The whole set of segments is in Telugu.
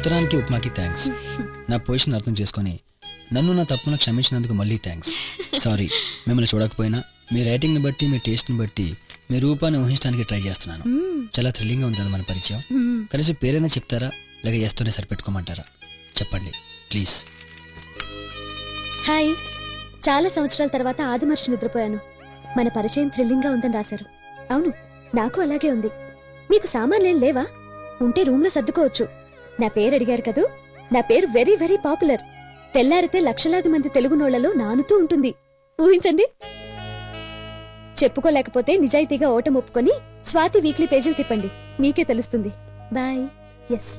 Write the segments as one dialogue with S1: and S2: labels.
S1: ఉత్తరానికి ఉప్మాకి థ్యాంక్స్. నా పొజిషన్ అర్థం చేసుకొని నన్ను నా తప్పును క్షమించినందుకు మళ్ళీ థ్యాంక్స్. సారీ, మిమ్మల్ని చూడకపోయినా మీ రైటింగ్ ని బట్టి, మీ టేస్ట్ ని బట్టి మీ రూపాన్ని ఊహించడానికి ట్రై చేస్తున్నాను. చాలా థ్రిల్లింగ్ గా ఉంది కదా మన పరిచయం. కనీసం పేరైనా చెప్తారా, లేక ఎస్తూనే సరిపెట్టుకోమంటారా? చెప్పండి ప్లీజ్.
S2: హాయ్, చాలా సంవత్సరాల తర్వాత ఆదిమర్శి నిద్రపోయాను. మన పరిచయం థ్రిల్లింగ్ గా ఉందని రాశారు. అవును, నాకు అలాగే ఉంది. మీకు సామాన్లేం లేవా? ఉంటే రూమ్ లో సర్దుకోవచ్చు. నా పేరు అడిగారు కదూ, నా పేరు వెరీ వెరీ పాపులర్. తెల్లారితే లక్షలాది మంది తెలుగునోళ్లలో నానుతూ ఉంటుంది. ఊహించండి. చెప్పుకోలేకపోతే నిజాయితీగా ఓటమి ఒప్పుకొని స్వాతి వీక్లీ పేజీలు తిప్పండి, మీకే తెలుస్తుంది. బాయ్. ఎస్.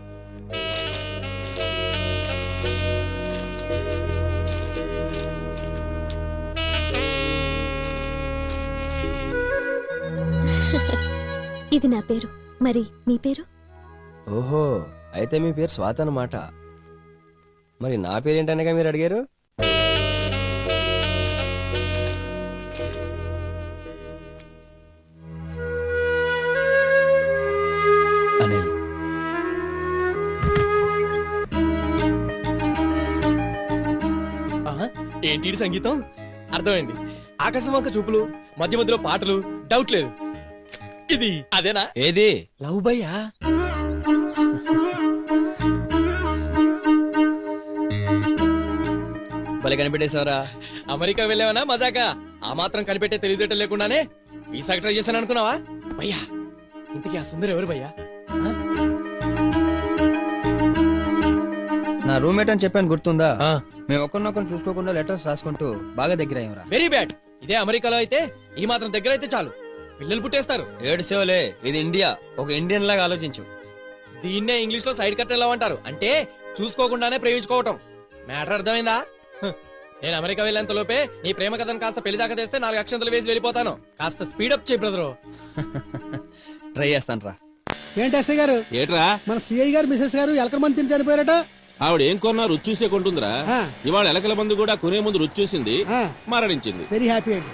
S2: ఇది నా పేరు. మరి మీ పేరు?
S3: ఓహో, అయితే మీ పేరు స్వాత అన్నమాట. మరి నా పేరేంటనగా మీరు అడిగారు?
S1: అనిల్.
S4: ఏంటి సంగీతం? అర్థమైంది. ఆకాశం వంక చూపులు, మధ్య మధ్యలో పాటలు, డౌట్ లేదు. ఇది అదేనా?
S3: ఏది?
S4: లవ్ భయ్యా.
S3: భలే కనిపెట్టేశావరా.
S4: అమెరికా వెళ్ళావనా మజాకా? ఆ మాత్రం కనిపెట్టే తెలివితేటలు లేకుండానే వీసాకి ట్రై చేశాను అనుకున్నావా? భయ్యా, ఇంతకీ ఆ సుందరం ఎవరు భయ్యా?
S3: నా రూమ్మేట్ అని చెప్పాను, గుర్తుందా? మేము ఒకరినొకరు చూసుకోకుండా లెటర్స్ రాసుకుంటూ బాగా దగ్గర అయ్యారా.
S4: Very bad. ఇదే అమెరికాలో అయితే ఈ మాత్రం దగ్గర అయితే చాలు, పిల్లలు పుట్టేస్తారు.
S3: ఏడ్చేవలే, ఇది ఇండియా. ఒక ఇండియన్ లాగా ఆలోచించు.
S4: దీన్నే ఇంగ్లీష్ లో సైడ్ కట్ లవ్ అంటారు. అంటే చూసుకోకుండానే ప్రేమించుకోవటం. మ్యాటర్ అర్థమైందా? నేను అమెరికా వెళ్ళేంత లోపే నీ ప్రేమ కథను కాస్త పెళ్లి దాకా తెస్తే 4 అక్షంతలు వేసి వెళ్ళిపోతాను. కాస్త స్పీడప్ చేయి బ్రదరు.
S3: ట్రై చేస్తాను రా.
S5: ఏంటి ఎస్ఐ గారు?
S6: ఏట్రా?
S5: మన సిఐ గారు మిసెస్ గారు ఎలకల మంది తిని చనిపోయారట.
S6: ఆవిడ ఏం కొన్నా రుచి చూసే కొంటుందిరా. ఇవాళ ఎలకల మందు కూడా కొనే ముందు రుచి చూసింది, మరణించింది.
S5: వెరీ హ్యాపీ అండి.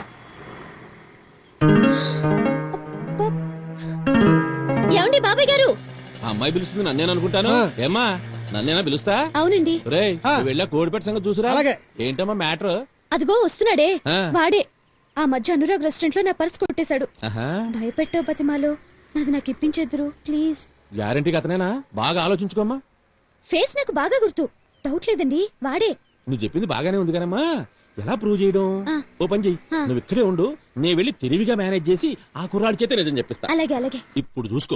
S2: ఏమండి బాబాయ్ గారు?
S6: ఆ అమ్మాయి పిలుస్తుంది నన్నేను అనుకుంటాను. ఏమ్మా, నన్నేనా పిలుస్తా?
S2: అవునండి.
S6: రేయ్, వెళ్ళా కోడిపెట్ట సంగతి చూసురా.
S5: అలాగే.
S6: ఏంటమ్మా మ్యాటర్?
S2: అదిగో వస్తున్నాడే, వాడే. ఆ మధ్య అనురాగ్ రెస్టారెంట్ లో నా పర్స్ కొట్టేశాడు. భయపెట్టో బతిమాలో నాది నాకు ఇప్పించేద్దరు ప్లీజ్.
S6: గ్యారంటీకి అతనేనా? బాగా ఆలోచించుకోమ్మా.
S2: ఫేస్ నాకు బాగా గుర్తు, డౌట్ లేదండి, వాడే.
S6: నువ్వు చెప్పింది బాగానే ఉంది కదమ్మా. ఎలా ప్రూవ్ చేయడం? ఓ పని చెయ్యి, నువ్వు ఇక్కడే ఉండు, నేను వెళ్ళి తెలివిగా మేనేజ్ చేసి ఆ కుర్రాడి చేత నిజం చెప్పిస్తా.
S2: అలాగే అలాగే.
S6: ఇప్పుడు చూసుకో.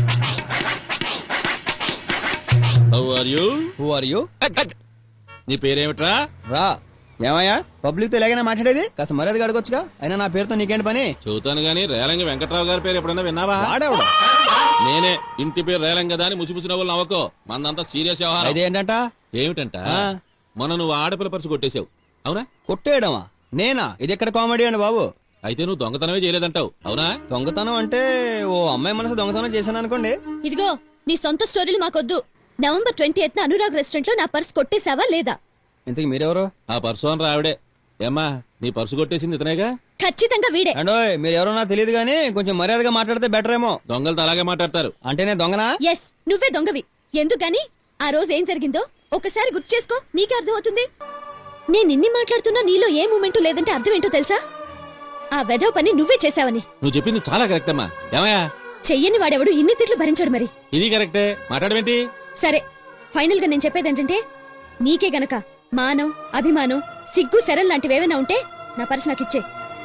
S6: How are you?
S3: Who are you?
S6: నీ పేరేమిట్రా?
S3: రా. ఏమయ్యా, పబ్లిక్ తో ఎలాగైనా మాట్లాడేది? కాస్త మర్యాదగా అడగొచ్చుగా. అయినా నా పేరుతో నీకేంటి పని?
S6: చూతాను గానీ రేలంగి వెంకట్రావు గారి పేరు ఎప్పుడన్నా విన్నావా?
S3: వాడేవాడు.
S6: నేనే. ఇంటి పేరు రేలంగ దాని ముసిముసి నవ్వులు నవ్వకో. మందంతా సీరియస్ వ్యవహారం.
S3: అదేంటంట?
S6: ఏమిటంట? మొన్న నువ్వు ఆడపిల్ల పరుసు కొట్టేశావు, అవునా?
S3: కొట్టేయడమా? నేనా? ఇది ఎక్కడ కామెడీ అండి బాబు.
S6: అయితే నువ్వు దొంగతనమే చేయలేదంటావు, అవునా?
S3: దొంగతనం అంటే ఓ అమ్మాయి మనసు దొంగతనం చేశాను అనుకోండి.
S2: ఇదిగో, నీ సొంత స్టోరీలు మాకొద్దు. నవంబర్ 28న అనురాగ్ రెస్టారెంట్ లో నా పర్స్ కొట్టేశావా లేదా?
S3: ఇంతకు మీరెవరు?
S6: ఆ పర్సు అని రావిడే. ఏమ్మా, నీ పర్సు కొట్టేసింది ఇతనేగా?
S2: ఖచ్చితంగా వీడే.
S3: అండోయ్, మీరెవరో నాకు తెలియదు గానీ కొంచెం మర్యాదగా మాట్లాడితే బెటర్ ఏమో.
S6: దొంగలతో అలాగే మాట్లాడతారు.
S3: అంటే నేను దొంగనా?
S2: ఎస్, నువ్వే దొంగవి. ఎందుకని ఆ రోజు ఏం జరిగిందో ఒకసారి గుర్తు చేసుకో, నీకే అర్థమవుతుంది. నేను ఇన్ని మాట్లాడుతున్నా నీలో ఏ మూమెంట్ లేదంటే అర్థం ఏంటో తెలుసా? ఆ వెధవ పని నువ్వే చేశావని.
S6: నువ్వు చెప్పింది చాలా కరెక్ట్ అమ్మా. ఏమయ్యా,
S2: చెయ్యని వాడెవడు ఇన్ని తిట్లు భరించాడు మరి.
S6: ఇది కరెక్టే, మాట్లాడమేంటి?
S2: సరే, ఫైనల్ గా నేను చెప్పేదేంటంటే, నీకే గనక మానం, అభిమానం, సిగ్గు, శరం లాంటివేమైనా ఉంటే నా పర్స్ నాకు ఇచ్చే.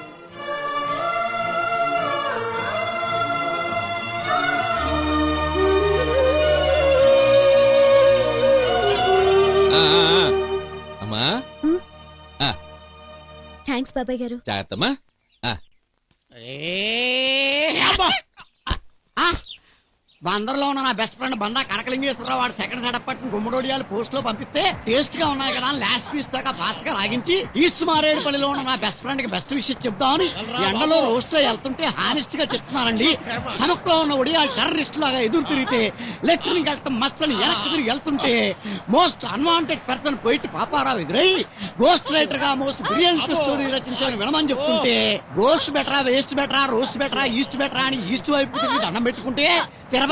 S6: అమ్మా,
S2: థ్యాంక్స్ బాబాయ్ గారు.
S6: జాగ్రత్తమ్మా.
S7: బందర్లో ఉన్న నా బెస్ట్ ఫ్రెండ్ బండా కనకలింగేశ్వరరావు వాడు సెకండ్ సెటప్ పట్టిన గుమ్మడోడియాలు పోస్ట్ లో పంపిస్తే టేస్ట్ గా ఉన్నాయి కదా లాస్ట్ పీస్ దాకా ఫాస్ట్ గా లాగించి ఈస్ట్ మారేడుపల్లిలో ఉన్న నా బెస్ట్ ఫ్రెండ్ కి బెస్ట్ విషయం చెప్తామని ఎండలో రోస్ట్ లో వెళ్తుంటే హానెస్ట్ గా చెప్తున్నానండి. స్టమక్ లో ఉన్న ఒడియాలు టెర్రరిస్ట్ లాగా ఎదురు తిరిగితే లెఫ్టినెంట్ వెళ్తాం మస్తని వెనక్కి తిరిగి వెళ్తుంటే most unwanted person poet Paparao ఎదురై గోస్ట్ రైటర్ గా మోస్ట్ బ్రిలియంట్ స్టోరీ రచించాలని వినమని చెప్తుంటే గోస్ట్ బెటరా, వేస్ట్ బెటరా, రోస్ట్ బెటరా, ఈస్ట్ బెటరా అని ఈస్ట్ వైపు తిరిగి దండం పెట్టుకుంటే తిరుపతి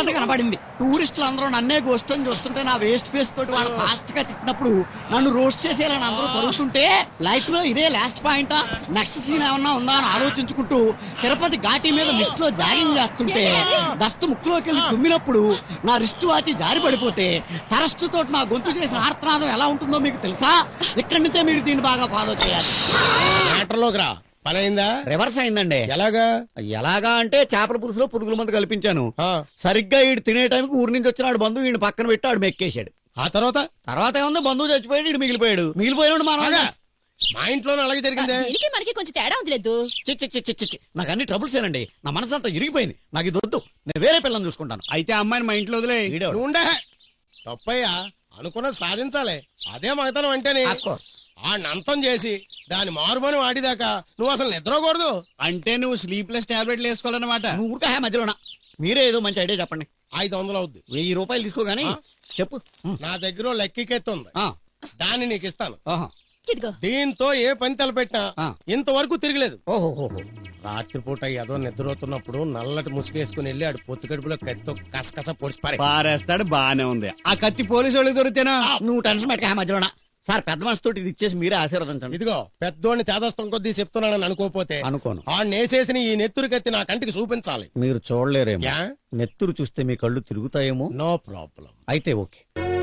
S7: చిన్నది కనబడింది. టూరిస్టులు అందరూ నన్నే గోస్ట్ అని చూస్తుంటే నా వేస్ట్ ఫేస్ తోటి వాళ్ళు ఫాస్ట్ గా తిట్టినప్పుడు నన్ను రోస్ట్ చేసేయాలని అందరూ తరుగుతుంటే లైఫ్ లో ఇదే లాస్ట్ పాయింటా, నెక్స్ట్ సీన్ ఏమన్నా ఉందా అని ఆలోచించుకుంటూ తిరుపతి ఘాటి మీద మిస్ట్ లో జాగింగ్ చేస్తుంటే డస్ట్ ముక్కులోకి వెళ్ళి తుమ్మినప్పుడు నా రిస్ట్ వాచి జారి పడిపోతే తరస్తుతో నా గొంతు చేసిన ఆర్తనాదం ఎలా ఉంటుందో మీకు తెలుసా? ఇక్కడి నుంచే మీరు దీన్ని బాగా ఫాలో చేయాలి.
S8: మ్యాటర్లోకి రా. పని అయిందా?
S7: రివర్స్ అయిందండి.
S8: ఎలాగా?
S7: ఎలాగా అంటే చేపల పులుసులో పురుగుల మందు కల్పించాను.
S8: ఆ,
S7: సరిగ్గా ఈడు తినే టైంకి ఊరి నుంచి వచ్చిన బంధువు ఈయన పక్కన పెట్టి ఆడు మెక్కేశాడు.
S8: ఆ తర్వాత
S7: తర్వాత ఏముంది, బంధువు చచ్చిపోయాడు, ఈడు మిగిలిపోయాడు. మిగిలిపోయాడు మనం.
S8: ఆగా. మా ఇంట్లోనే అలాగే జరిగిందే.
S9: దీనికి మనకి కొంచెం తేడా ఉంది లేదు.
S7: నాకు అన్ని ట్రబుల్స్ ఏనండి. నా మనసు అంతా ఇరిగిపోయింది. నాకు ఇది వద్దు. నేను వేరే పిల్లని చూసుకుంటాను.
S10: అయితే అమ్మాయిని మా ఇంట్లో వదిలే.
S7: ఈడెవడు?
S8: నువ్వు ఉండే. తప్పయ్యా, అనుకున్నది సాధించాలి. అదే మగతనం అంటేనే.
S7: Of course.
S8: ఆ నంతం చేసి దాని మారుమని వాడిదాకా నువ్వు అసలు నిద్రకూడదు.
S10: అంటే నువ్వు స్లీప్లెస్ టాబ్లెట్లు వేసుకోవాలన్నమాట.
S7: నువ్వు ఊరికే మధ్యలోనా? మీరే ఏదో మంచి ఐడియా చెప్పండి.
S8: 500 అవుద్ది.
S7: 1000 రూపాయలు తీసుకోగాని చెప్పు.
S8: నా దగ్గర లెక్కికెత్తుంది,
S7: ఆ,
S8: దాన్ని నీకు ఇస్తాను.
S7: ఆహా.
S9: ఇదిగో
S8: దీంతో ఏ పని తలపెట్టినా
S7: ఆ.
S8: ఇంతవరకు తిరగలేదు.
S7: ఓహో.
S8: రాత్రిపూట ఏదో నిద్రపోతున్నప్పుడు నల్లటి ముసుగేసుకుని వెళ్ళి ఆడు పొత్తు కడుపులో కత్తితో కసకస పొడిచి పారే.
S10: పారేస్తాడు, బానే ఉంది. ఆ కత్తి పోలీసు వాళ్ళకి దొరికితేనా?
S7: నువ్వు టెన్షన్ పెట్టక మధ్యలోనా. సార్ పెద్ద మనసు తోటి ఇది ఇచ్చేసి మీరే ఆశీర్వదించండి.
S8: ఇదిగో పెద్దోడిని చేదస్తం కొద్దీ చెప్తున్నానని అనుకోపోతే
S7: అనుకోను.
S8: ఆ నేసేసిన ఈ నెత్తురు కత్తి నా కంటికి చూపించాలి.
S7: మీరు చూడలేరేమో.
S8: యా?
S7: నెత్తురు చూస్తే మీ కళ్ళు తిరుగుతాయేమో.
S8: No problem.
S7: అయితే ఓకే.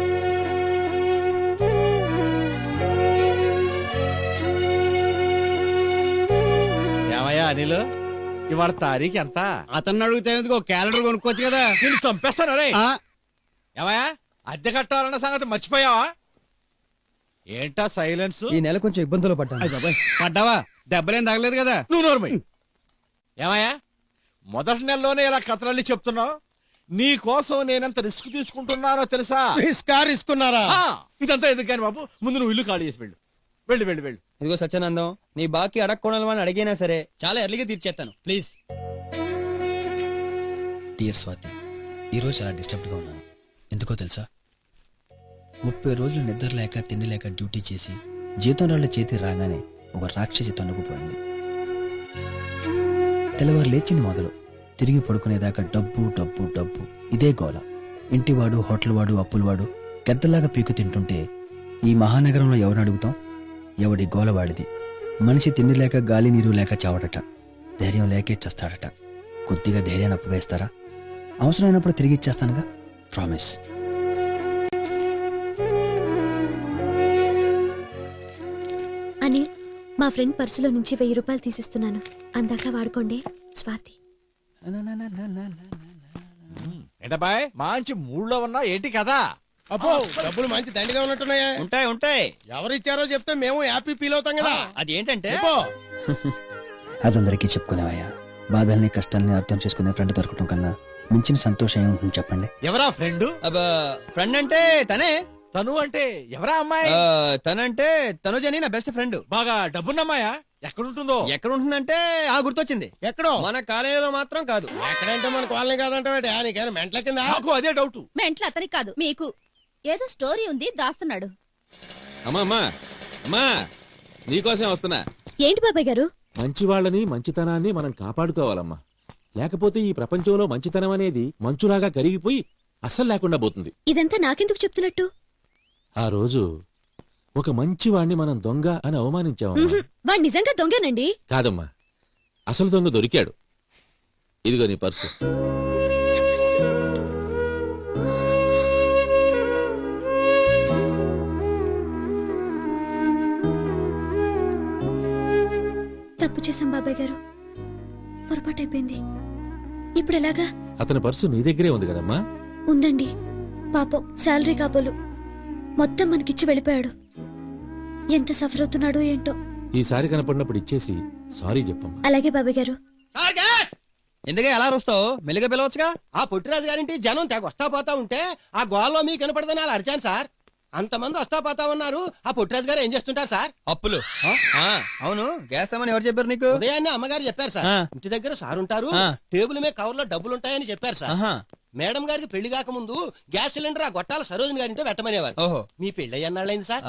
S6: ఏమయ్యా అనిల్, ఇవాళ తారీఖు ఎంత?
S10: అతన్ని అడిగితే ఎందుకు క్యాలెండర్ కొనుక్కోవచ్చు కదా.
S6: నేను చంపేస్తాను రే.
S10: ఆ,
S6: ఏమయ్యా, అద్దె కట్టాలన్న సంగతి మర్చిపోయావా? ఏంటా సైలెన్స్?
S1: ఈ నెల కొంచెం ఇబ్బందులు పడ్డాను.
S10: అయ్ బాబాయ్, పడ్డావా? దెబ్బలేం తగలేదు కదా.
S6: నువ్వు నోర్మై. ఏమయ్యా, మొదటి నెలలోనే ఇలా కథలన్నీ చెప్తున్నావు? నీ కోసం నేనెంత రిస్క్ తీసుకుంటున్నానో తెలుసా?
S8: రిస్కున్నారా?
S6: ఆ, ఇదంతా ఎందుకు కానీ బాబు, ముందు నువ్వు ఇల్లు ఖాళీ చేసి వెళ్ళు. వెళ్ళు వెళ్ళు వెళ్ళు.
S1: ఇదిగో సత్యానందం, నీ బాకీ అడగకూడదని అడిగినా సరే చాలా ఎర్లీగా తీర్చేస్తాను, ప్లీజ్. డియర్ స్వాతి, ఈరోజు చాలా డిస్టర్బ్డ్గా ఉన్నాను. ఎందుకో తెలుసా? 30 రోజులు నిద్ర లేక తిండి లేక డ్యూటీ చేసి జీతం రాళ్ళ చేతి రాగానే ఒక రాక్షసి తన్నుకుపోయింది. తెల్లవారు లేచింది మొదలు తిరిగి పడుకునేదాకా డబ్బు డబ్బు డబ్బు ఇదే గోల. ఇంటివాడు, హోటల్ వాడు, అప్పులవాడు గద్దలాగా పీకు తింటుంటే ఈ మహానగరంలో ఎవరిని అడుగుతాం? ఎవడి గోలవాడిది. మనిషి తిండి లేక గాలి నీరు లేక చావడట, ధైర్యం లేకే చస్తాడట. కొద్దిగా ధైర్యాన్ని అప్పవేస్తారా? అవసరమైనప్పుడు తిరిగి ఇచ్చేస్తానుగా, ప్రామిస్.
S2: అని మా ఫ్రెండ్ పర్సులో నుంచి 1000 రూపాయలు తీసిస్తున్నాను, అందాక వాడుకోండి. స్వాతి.
S6: ఏంటబ్బాయ్, మంచి మూడ్లో ఉన్నా ఏంటి కదా?
S8: అబ్బో, డబ్బులు మంచి దండిగా ఉన్నట్టున్నాయా?
S1: ఉంటాయి ఉంటాయి.
S8: ఎవరిచ్చారో చెప్తే మేము హ్యాపీ ఫీల్ అవుతాం కదా.
S1: అది ఏంటంటే
S8: చెప్పు.
S1: అదందరికీ చెప్పుకునేవయ్యా. బాధల్ని కష్టాల్ని అర్థం చేసుకునే ఫ్రెండ్ దొరకటం కన్నా మించిన సంతోషం ఏముంటుంది చెప్పండి.
S6: ఎవరా ఫ్రెండ్?
S1: ఫ్రెండ్ అంటే తనే.
S6: తను అంటే ఎవరా అమ్మాయి?
S1: తనంటే తనుజని నా బెస్ట్ ఫ్రెండ్.
S6: బాగా డబ్బున్నమ్మాయా? ఎక్కడుంటుందో?
S1: ఎక్కడ ఉంటుందంటే గుర్తొచ్చింది,
S8: ఎక్కడో
S1: మన కాలేజీలో మాత్రం కాదు.
S8: ఎక్కడంటే మన కాలనీ కాదంటే నీకేనా మెంట్ల కింద?
S6: నాకు అదే డౌట్.
S9: మెంట్లో అతనికి కాదు మీకు. ఏదో స్టోరీ ఉంది, దాస్తున్నాడు.
S11: అమ్మా అమ్మా అమ్మా, నీకోసం వస్తున్నా.
S2: ఏంటి బాబాయ్ గారు?
S6: మంచి వాళ్ళని, మంచితనాన్ని మనం కాపాడుకోవాలమ్మా. లేకపోతే ఈ ప్రపంచంలో మంచితనం అనేది మంచులాగా కరిగిపోయి అస్సలు లేకుండా పోతుంది.
S2: ఇదంతా నాకెందుకు చెప్తున్నట్టు?
S6: ఆ రోజు ఒక మంచివాణ్ణి మనం దొంగ అని అవమానించామమ్మా.
S2: వాడు నిజంగా దొంగనండి.
S6: కాదమ్మా, అసలు దొంగ దొరికాడు. ఇదిగో నీ పర్సు.
S2: తప్పు చేశాం బాబాయ్ గారు, పొరపాటు అయిపోయింది. ఇప్పుడు ఎలాగా?
S6: అతని పర్సు నీ దగ్గరే ఉంది కదమ్మా.
S2: ఉందండి, పాపం శాలరీ కాబోలు మొత్తం మనకిచ్చి వెళ్ళిపోయాడు. ఎంత సఫర్ అవుతున్నాడో ఏంటో.
S6: ఈసారి కనపడినప్పుడు ఇచ్చేసి సారీ చెప్పమ్మా.
S2: అలాగే బాబాయ్ గారు.
S1: ఎందుకే అలా వస్తావు? మెల్లిగా పిలవచ్చుగా.
S3: ఆ పొట్టిరాజు గారింటి జనం తెగ వస్తా పోతా ఉంటే ఆ గోల్లో మీకు కనపడదని అలా అరిచాను సార్. అంతమంది వస్తా పోతా ఉన్నారు. ఆ పొట్టిరాజు గారు ఏం చేస్తుంటారు సార్?
S1: అప్పులు. అవును, గ్యాస్ ఏమని ఎవరు చెప్పారు నీకు?
S3: ఉదయాన్నే అమ్మగారు చెప్పారు సార్. ఇంటి దగ్గర సార్ ఉంటారు, టేబుల్ మీద కవర్ లో డబ్బులుంటాయని చెప్పారు సార్. మేడం గారికి పెళ్లి కాకముందు గ్యాస్ సిలిండర్ ఆ గొట్టాల సరోజిని గారింటో పెట్టమనేవారు.
S1: ఓహో,
S3: మీ పెళ్లి అయ్యన్నాళ్ళైంది సార్?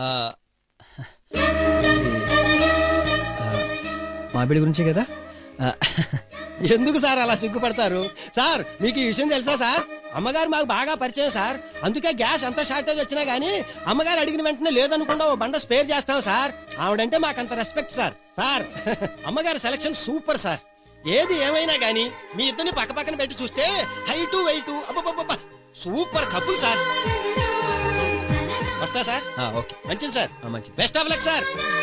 S1: మా బిడ్డ గురించే కదా.
S3: ఎందుకు సార్ అలా సిగ్గుపడతారు? సార్ మీకు ఈ విషయం తెలుసా సార్? అమ్మగారు మాకు బాగా పరిచయం సార్. అందుకే గ్యాస్ ఎంత షార్టేజ్ వచ్చినా గానీ అమ్మగారు అడిగిన వెంటనే లేదనుకుండా ఓ బండ స్పేర్ చేస్తాం సార్. ఆవిడంటే మాకంత రెస్పెక్ట్ సార్. సార్ అమ్మగారి సెలక్షన్ సూపర్ సార్. ఏది ఏమైనా గానీ మీ ఇద్దరిని పక్క పక్కన పెట్టి చూస్తే హైటు వెయిట్ అబ్బబ్బబ్బ సూపర్ కపుల్ సార్. వస్తా సార్.
S1: ఓకే
S3: మంచిది సార్.
S1: మంచిది.
S3: Best of luck sir.